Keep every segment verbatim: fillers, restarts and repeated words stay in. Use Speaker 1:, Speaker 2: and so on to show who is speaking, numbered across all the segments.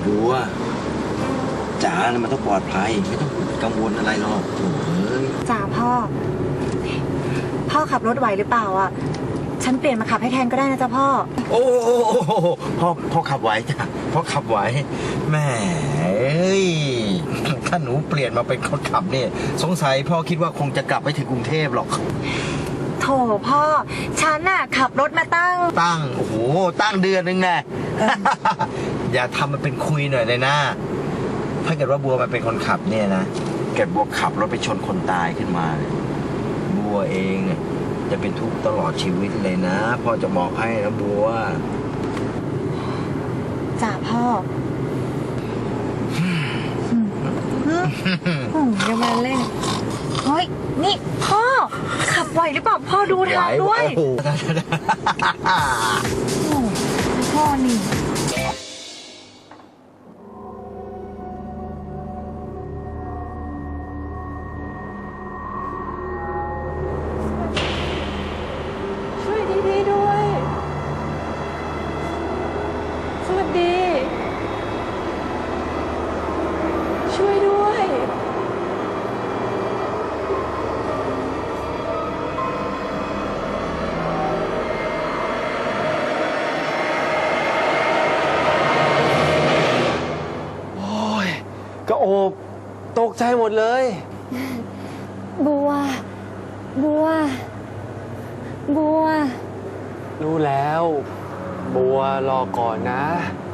Speaker 1: บัวจ๋าเนี่ยมันต้องปลอดภัยไม่ต้องกังวลอะไรหรอกโอ้ย
Speaker 2: จ๋าพ่อ พ่อขับรถไหวหรือเปล่าอ่ะฉันเปลี่ยนมาขับให้แทนก็ได้นะจ๊ะพ่อ
Speaker 1: โอ้โอ้พ่อพ่อขับไหวจ้ะพ่อขับไหวแม่เอ้ยถ้าหนูเปลี่ยนมาเป็นคนขับเนี่ยสงสัยพ่อคิดว่าคงจะกลับไปถึงกรุงเทพหรอก
Speaker 2: โถพ่อฉันน่ะขับรถมาตั้ง
Speaker 1: ตั้งโอ้โหตั้งเดือนนึงแน่อย่าทำมันเป็นคุยหน่อยเลยนะถ้าเกิดว่าบัวมันเป็นคนขับเนี่ยนะเกิดบัวขับรถไปชนคนตายขึ้นมาบัวเองจะเป็นทุกข์ตลอดชีวิตเลยนะพ่อจะบอกให้นะบัว
Speaker 2: จ้าพ่ออย่ามาเล่นเฮ้ยนี่พ่อขับไหวหรือเปล่าพ่อดูทางด้วยพ่อนี่
Speaker 3: ก็โอบตกใจหมดเลย
Speaker 2: บัวบัวบัว
Speaker 3: รู้แล้วบัวรอก่อนนะ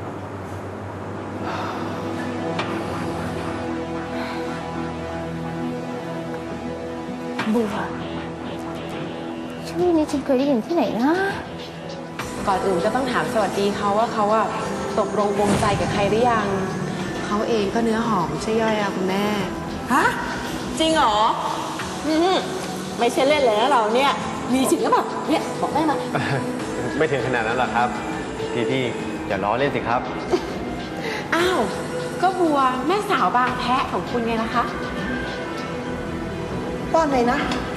Speaker 4: บัวชื่อนี้ฉันเคยได้ยินที่ไหนนะ
Speaker 5: ก่อนอื่นก็ต้องถามสวัสดีเขาว่าเขาอะตกลงวงใจกับใครหรือยังเขาเองก็เนื้อหอมใช่ย่อยอะคุณแม่
Speaker 6: ฮะจริงเหรออืมไม่ใช่เล่นเลยนะเราเนี่ยมีจริงหรือเปล่าเนี่ยบอกได้ไหม
Speaker 3: ไม่ถึงขนาดนั้นหรอกครับพี่พี่อย่าล้อเล่นสิครับ
Speaker 5: อ้าวก็บัวแม่สาวบางแพะของคุณไงล่ะคะ
Speaker 6: ป้อนเลยนะ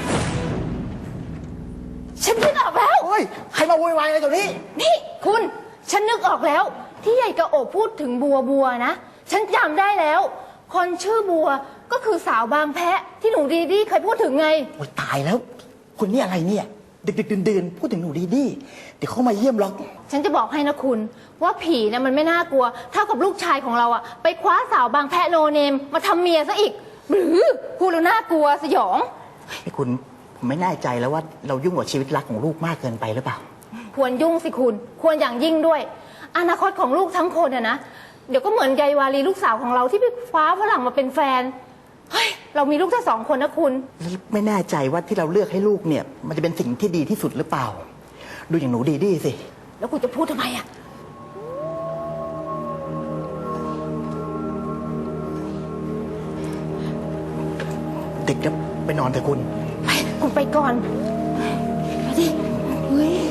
Speaker 4: ฉันนึกออกแล้ว
Speaker 6: โอ้ยใครมาโวยวายอะไรตรงนี้
Speaker 4: นี่คุณฉันนึกออกแล้วที่ใหญ่กระโอบพูดถึงบัวบัวนะฉันจำได้แล้วคนชื่อบัวก็คือสาวบางแพะที่หนูดีดีเคยพูดถึงไง
Speaker 6: โอ้ยตายแล้วคุณนี่อะไรเนี่ยดึกๆดื่นๆพูดถึงหนูดีดีเดี๋ยวเขามาเยี่ยมหรอก
Speaker 4: ฉันจะบอกให้นะคุณว่าผีนะมันไม่น่ากลัวเท่ากับลูกชายของเราอะไปคว้าสาวบางแพะโนเนมมาทำเมียซะอีกหรือพูดแล้วน่ากลัวสยอง
Speaker 6: ไอ้คุณผมไม่แน่ใจแล้วว่าเรายุ่งกับชีวิตรักของลูกมากเกินไปหรือเปล่า
Speaker 4: ควรยุ่งสิคุณควรอย่างยิ่งด้วยอนาคตของลูกทั้งคนอะนะเดี๋ยวก็เหมือนยายวารีลูกสาวของเราที่ไปคว้าฝรั่งมาเป็นแฟนเฮ้ยเรามีลูกแค่สองคนนะคุณ
Speaker 6: ไม่แน่ใจว่าที่เราเลือกให้ลูกเนี่ยมันจะเป็นสิ่งที่ดีที่สุดหรือเปล่าดูอย่างหนูดีดีสิ
Speaker 4: แล้วคุณจะพูดทำไมอะ
Speaker 6: เด็กจะไปนอนเถอะคุณ
Speaker 4: ไปคุณไปก่อนไปดิเฮ้ย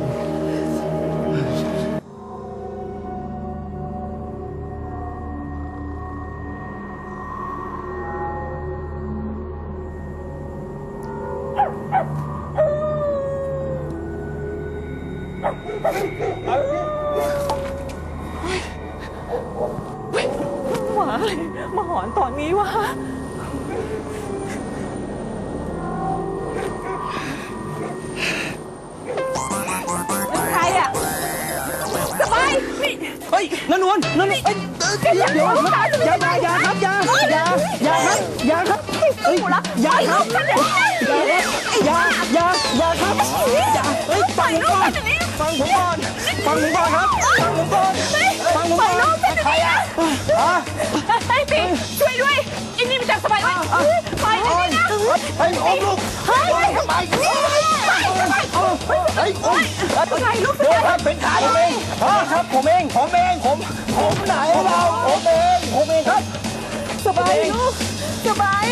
Speaker 6: หมาอะไรมาหอนตอนนี้วะใครอ่ะสบายนี่เฮ้ยนนวลนนเอ้ยเดี๋ยวเดี๋ยวอย่าอย่าครับอย่าอย่าอย่าครับอย่าครับเฮ้ยอย่าครับอย่าอย่าอย่าครับอย่าเฮ้ยฟังผมก่อนฟังผมก่อนฟังผมก่อนครับฟังผมก่อนฟังผมก่อนใครอ่ะฮะ
Speaker 5: ไอ้ปีช่วยด้วยอินนี่มันจับสบายไหมไปเลยนะ
Speaker 6: เฮ้ยโอ้ลูกเฮ้ยทำไมเฮ้ยโอ้เฮ้ยโอ้ย
Speaker 5: อะไรลูก
Speaker 6: ครับเป็นใครผมเองครับผมเองผมเองผมผมไหนเราผมเองผมเองครับ
Speaker 5: สบายลูกสบาย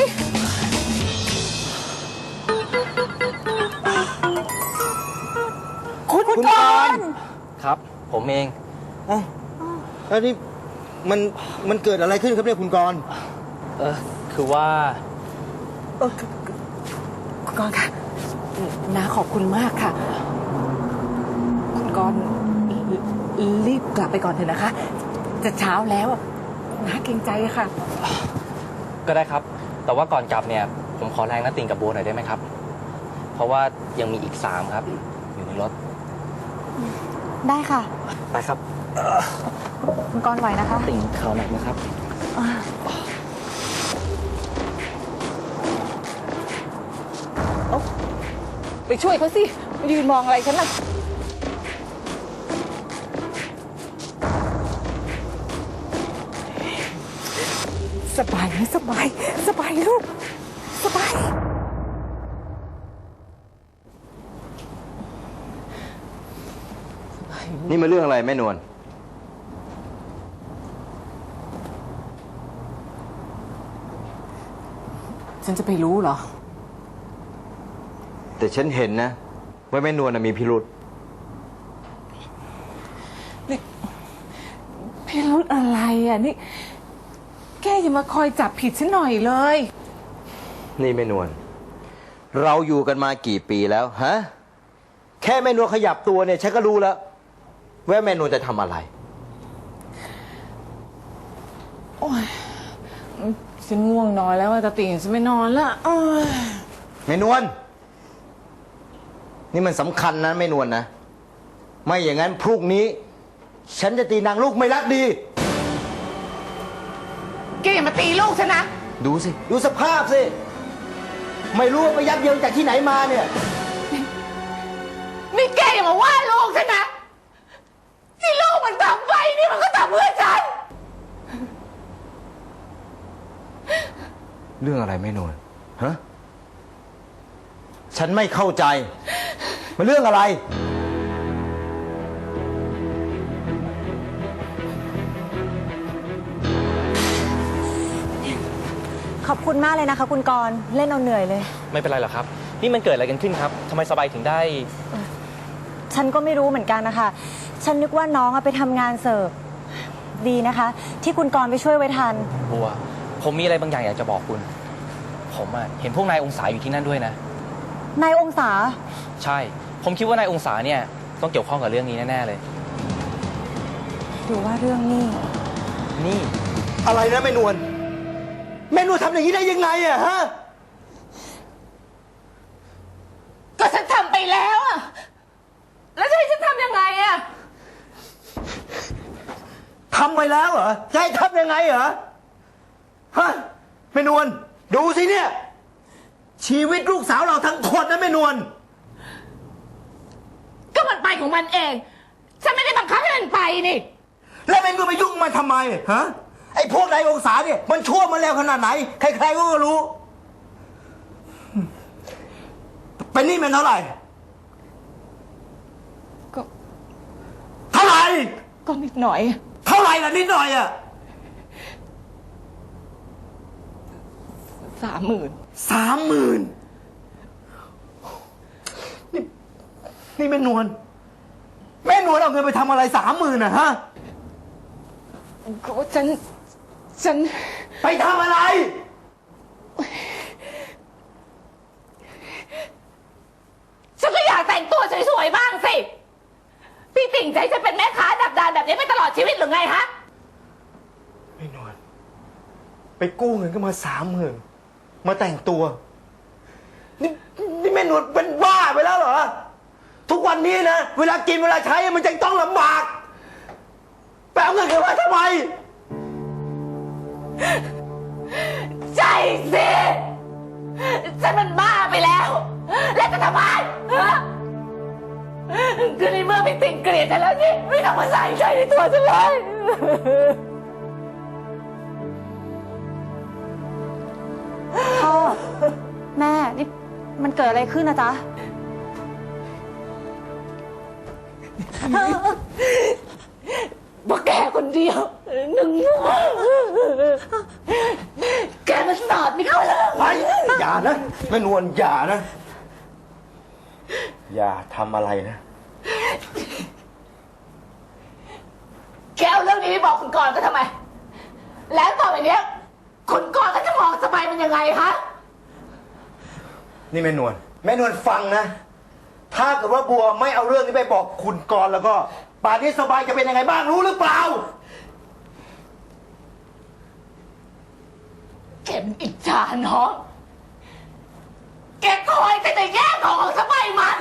Speaker 6: คุณกรณ์
Speaker 3: ครับผมเอง
Speaker 1: อ๋อแล้วนี่มันมันเกิดอะไรขึ้นครับเนี่ยคุณกรณ์
Speaker 3: เออคือว่า
Speaker 6: เออคุณกรณ์ค่ะ
Speaker 5: น้าขอบคุณมากค่ะคุณกรณ์รีบกลับไปก่อนเถอะนะคะ
Speaker 2: จะเช้าแล้วอะน้าเกรงใจอะค่ะ
Speaker 6: ก็ได้ครับ แต่ว่าก่อนกลับเนี่ยผมขอแรงน้าติ่งกับโบหน่อยได้ไหมครับ เพราะว่ายังมีอีกสามครับ อยู่ในรถ
Speaker 2: ได้ค่ะ
Speaker 6: ไปครับ
Speaker 2: คุณกรณ์ไหวนะคะ
Speaker 6: ติ่งเขาหนักนะครับ
Speaker 2: ไปช่วยเขาสิยืนมองอะไรฉันล่ะสบายไหมสบาย สบายลูก สบาย
Speaker 1: นี่มาเรื่องอะไรแม่นวล
Speaker 5: ฉันจะไปรู้เหรอ
Speaker 1: แต่ฉันเห็นนะว่าแม่นวลน่ะมีพิรุษ
Speaker 5: พี่รุธอะไรอ่ะนี่ แกอย่ามาคอยจับผิดฉันหน่อยเลย
Speaker 1: นี่แม่นวลเราอยู่กันมากี่ปีแล้วฮะแค่แม่นวลขยับตัวเนี่ยฉันก็รู้แล้วว่าแม่นวลจะทำอะไร
Speaker 5: โอ้ยฉันง่วงนอนแล้วอะตาติ่งฉันไม่นอนละโอ้ย
Speaker 1: แม่นวลนี่มันสำคัญนะแม่นวลนะไม่อย่างนั้นพรุ่งนี้ ฉันจะตีนางลูกไม่รักดี
Speaker 5: แกอย่ามาตีลูกฉันนะ
Speaker 1: ดูสิ ดูสภาพสิ ไม่รู้ว่าไปยักเยิงจากที่ไหนมาเนี่ย
Speaker 5: นี่แกอย่ามาว่าลูกฉันนะ ที่ลูกมันทำไปนี่มันก็ทำเพื่อฉัน
Speaker 1: เรื่องอะไรแม่นวลฮะฉันไม่เข้าใจมันเรื่องอะไร
Speaker 2: ขอบคุณมากเลยนะคะ คุณกรณ์เล่นเอาเหนื่อยเลย
Speaker 6: ไม่เป็นไรหรอกครับ นี่มันเกิดอะไรกันขึ้นครับทำไมสบายถึงได้
Speaker 2: ฉันก็ไม่รู้เหมือนกันนะคะ ฉันนึกว่าน้องอะไปทำงานเสิร์ฟ ดีนะคะ ที่คุณกรณ์ไปช่วยไว้ทัน
Speaker 6: บัว ผมมีอะไรบางอย่างอยากจะบอกคุณ ผมอะเห็นพวกนายองศาอยู่ที่นั่นด้วยนะ
Speaker 2: นายองศา
Speaker 6: ใช่ ผมคิดว่านายองศาเนี่ยต้องเกี่ยวข้องกับเรื่องนี้แน่ๆเลย
Speaker 2: หรือว่าเรื่องนี้
Speaker 6: นี่
Speaker 1: อะไรนะแม่นวลแม่นวลทำอย่างนี้ได้ยังไงอะฮะ
Speaker 5: ก็ฉันทำไปแล้วอะแล้วจะให้ฉันทำยังไงอะ
Speaker 1: ทำไปแล้วเหรอจะให้ทำยังไงเหรอฮะแม่นวลดูสิเนี่ย ชีวิตลูกสาวเราทั้งคนนะแม่นวล
Speaker 5: ก็มันไปของมันเอง ฉันไม่ได้บังคับให้มันไปนี่
Speaker 1: แล้วแม่นวลไปยุ่งมันทำไมฮะไอ้พวกนายองศาเนี่ยมันชั่วมันแล้วขนาดไหน ใครๆก็รู้เป็นหนี่มันเท่าไหร่
Speaker 5: ก็
Speaker 1: เท่าไหร่
Speaker 5: ก็นิดหน่อย
Speaker 1: เท่าไหร่ล่ะนิดหน่อยอะ
Speaker 5: สามหมื่น
Speaker 1: สามหมื่นนี่นี่แม่นวลแม่นวลเอาเงินไปทำอะไรสามหมื่นอะฮะ
Speaker 5: ก็ฉัน ฉัน
Speaker 1: ไปทำอะไร
Speaker 5: ฉันก็อยากแต่งตัวสวยๆบ้างสิ พี่ติ่งใจจะเป็นแม่ค้าดักดานแบบนี้ไปตลอดชีวิตหรือไงฮะ
Speaker 1: ไม่นวลไปกู้เงินก็มาสามหมื่นมาแต่งตัวนี่นี่แม่นวลเป็นบ้าไปแล้วเหรอ ทุกวันนี้นะ เวลากินเวลาใช้มันจะต้องลำบากไปเอาเงินกันมาทำไม
Speaker 5: ใช่สิ ฉันมันบ้าไปแล้ว แล้วจะทำไมฮะคือในเมื่อพี่ติ่งเกลียดฉันแล้วนี่ไม่ต้องมาใส่ใจในตัวฉันเลย
Speaker 2: พ่อ แม่ นี่มันเกิดอะไรขึ้นนะจ๊ะ
Speaker 5: เพราะแกคนเดียวหนึ่งแกมันสอดไม่เข้าเลย
Speaker 1: ไปอย่านะแม่นวลอย่านะ อย่าทำอะไรนะ
Speaker 5: แกเอาเรื่องนี้ไปบอกคุณกรณ์ก็ทำไม แล้วต่อไปเนี้ยคุณกรณ์ก็จะมองสบายมันยังไงคะ
Speaker 1: นี่แม่นวลแม่นวลฟังนะ ถ้าเกิดว่าบัวไม่เอาเรื่องนี้ไปบอกคุณกรณ์แล้วก็ป่านนี้สบายจะเป็นยังไงบ้างรู้หรือเปล่า
Speaker 5: กมันอิจฉาน้องแกคอยแต่จะแย่งของสบายมัน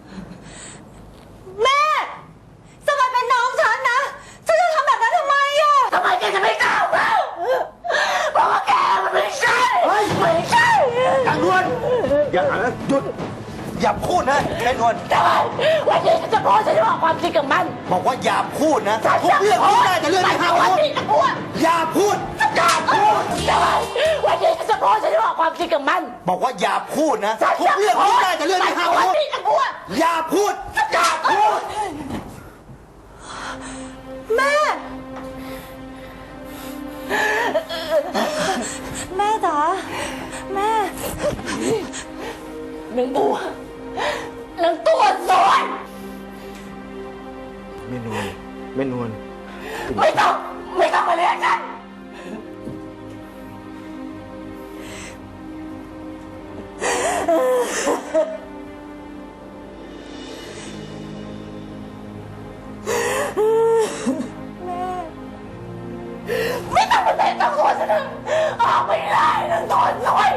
Speaker 2: แม่สมัยเป็นน้องฉันนะฉันจะทำแบบนั้นทำไมอะ
Speaker 5: ทำไมแกจะไม่กล้าเล่าเพราะว่าแกมันไม่ใช่ไม่ใช่
Speaker 1: นางนวลอย่าหยุดอย่าพูดนะแม่นวล
Speaker 5: ทำไมวันนี้ฉันจะพูดฉันจะบอกความจริงกับมัน
Speaker 1: บอกว่าอย่าพูดนะ
Speaker 5: ฉัน
Speaker 1: ทุก
Speaker 5: จะ
Speaker 1: เรื่อง
Speaker 5: พู
Speaker 1: พูด
Speaker 5: ด
Speaker 1: ได้แต่เรื่องที่ห้าม
Speaker 5: วัน
Speaker 1: พูด
Speaker 5: นี้จะพูด
Speaker 1: อย่าพูด
Speaker 5: อย่าพูดทำไมวันนี้ฉันจะพูดฉันจะบอกความจริงกับมัน
Speaker 1: บอกว่าอย่าพูดนะ
Speaker 5: ฉัน
Speaker 1: ทุก
Speaker 5: จะ
Speaker 1: เรื่อง
Speaker 5: พู
Speaker 1: พูด
Speaker 5: ด
Speaker 1: ได้แต่เรื่องที่ห้าม
Speaker 5: วัน
Speaker 1: พูด
Speaker 5: นี้จะพูด
Speaker 1: อย่าพูดอย่าพูด
Speaker 2: แม่ แม่จ๋าแม่
Speaker 5: นางบัว นางตัวสวย
Speaker 3: แม่นวลแม่นวล
Speaker 5: ไม่ต้อง ไม่ต้องมาเรียกฉัน ไม่ต้องมาเตะตะโกนฉันนะออกไม่ได้นางตัวสวย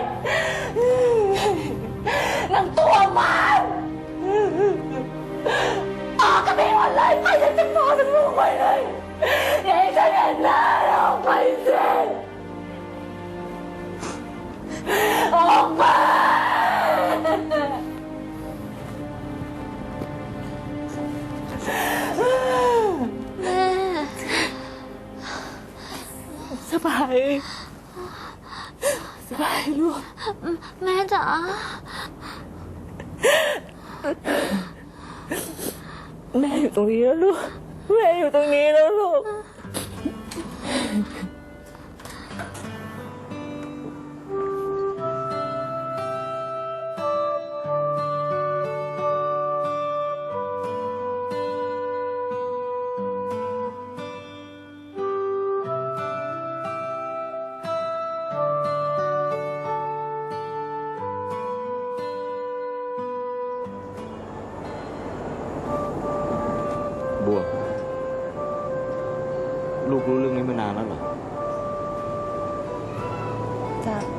Speaker 5: นางตัวมันออกกันไปหมดเลยไปฉันจะพอฉันลูกไปเลยอย่าให้ฉันเห็นหน้าออกไปสิออกไป
Speaker 7: สบาย สบายลูก
Speaker 8: แม่จ๋า
Speaker 7: แม่อยู่ตรงนี้แล้วลูก แม่อยู่ตรงนี้แล้วลูก
Speaker 3: บัว ลูกรู้เรื่องนี้มานานแล้วเหรอ
Speaker 2: จ้ะ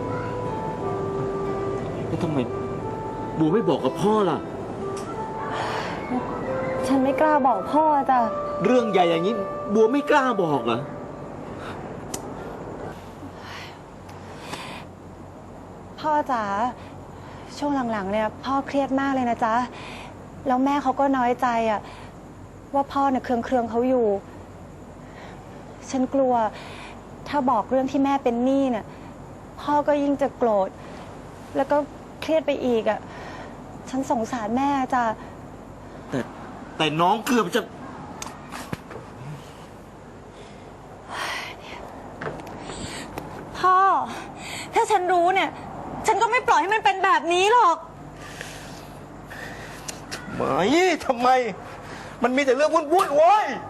Speaker 3: แล้วทำไมบัวไม่บอกกับพ่อล่ะ
Speaker 2: ฉันไม่กล้าบอกพ่อจ้ะ
Speaker 3: เรื่องใหญ่อย่างนี้ บัวไม่กล้าบอกเหรอ
Speaker 2: พ่อจ๋าช่วงหลังๆเนี่ยพ่อเครียดมากเลยนะจ๊ะแล้วแม่เขาก็น้อยใจอะว่าพ่อเนี่ยเคืองเคืองๆเขาอยู่ ฉันกลัว ถ้าบอกเรื่องที่แม่เป็นหนี้เนี่ยพ่อก็ยิ่งจะโกรธแล้วก็เครียดไปอีกอะฉันสงสารแม่จ้ะ
Speaker 3: แต่แต่น้องเกือบจะ
Speaker 2: พ่อ ถ้าฉันรู้เนี่ย ฉันก็ไม่ปล่อยให้มันเป็นแบบนี้หรอก
Speaker 1: ไม่ทำไม มันมีแต่เรื่องวุ่นๆโว้ย